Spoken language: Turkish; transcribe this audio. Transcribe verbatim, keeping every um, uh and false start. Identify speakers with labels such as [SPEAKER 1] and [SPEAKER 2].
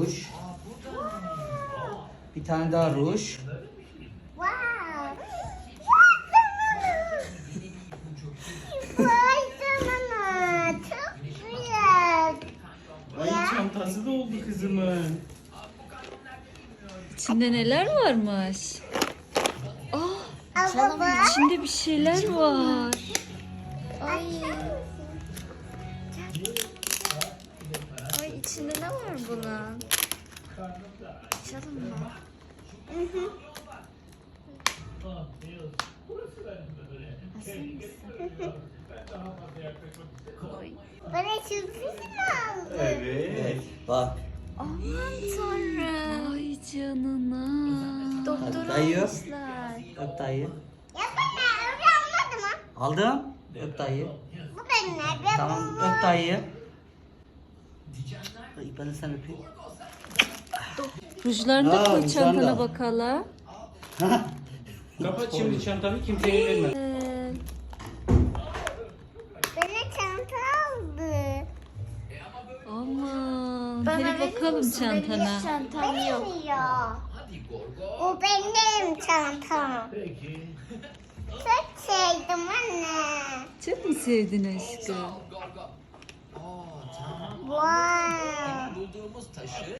[SPEAKER 1] ruj. Bir tane daha ruj.
[SPEAKER 2] Wow. Vay canına. Çok güzel.
[SPEAKER 3] Ay çantası da oldu kızımın.
[SPEAKER 4] İçinde neler varmış?
[SPEAKER 2] Al baba.
[SPEAKER 4] İçinde bir şeyler var. Ay. Ay içinde ne var bunun? Açalım mı? Koy.
[SPEAKER 2] Bana sürpriz mi aldın?
[SPEAKER 3] Evet.
[SPEAKER 1] Bak.
[SPEAKER 4] Aman tanrım. Ay canına. Doktor
[SPEAKER 1] Dayı.
[SPEAKER 4] almışlar.
[SPEAKER 1] Öp dayı.
[SPEAKER 2] Ya ben öyle anladım ha.
[SPEAKER 1] Aldım. Öp dayı.
[SPEAKER 2] Bu benim ne? Ben
[SPEAKER 1] Tamam
[SPEAKER 2] bunu...
[SPEAKER 1] öp dayı. Ay, ben de sen öpeyim.
[SPEAKER 4] Rujlarını da
[SPEAKER 1] Aa,
[SPEAKER 4] koy
[SPEAKER 1] rujlarını
[SPEAKER 4] çantana
[SPEAKER 1] da.
[SPEAKER 4] bakalım.
[SPEAKER 3] Kapat şimdi çantanı, kimseye verme.
[SPEAKER 4] Ee,
[SPEAKER 2] Bana çanta aldı.
[SPEAKER 4] aman. Hadi bakalım çantana.
[SPEAKER 2] Çantam yok. Ya. Bu benim çantam.
[SPEAKER 3] Peki.
[SPEAKER 2] Çok sevdim anne.
[SPEAKER 4] Çok mu sevdin aşkım?
[SPEAKER 2] Wow.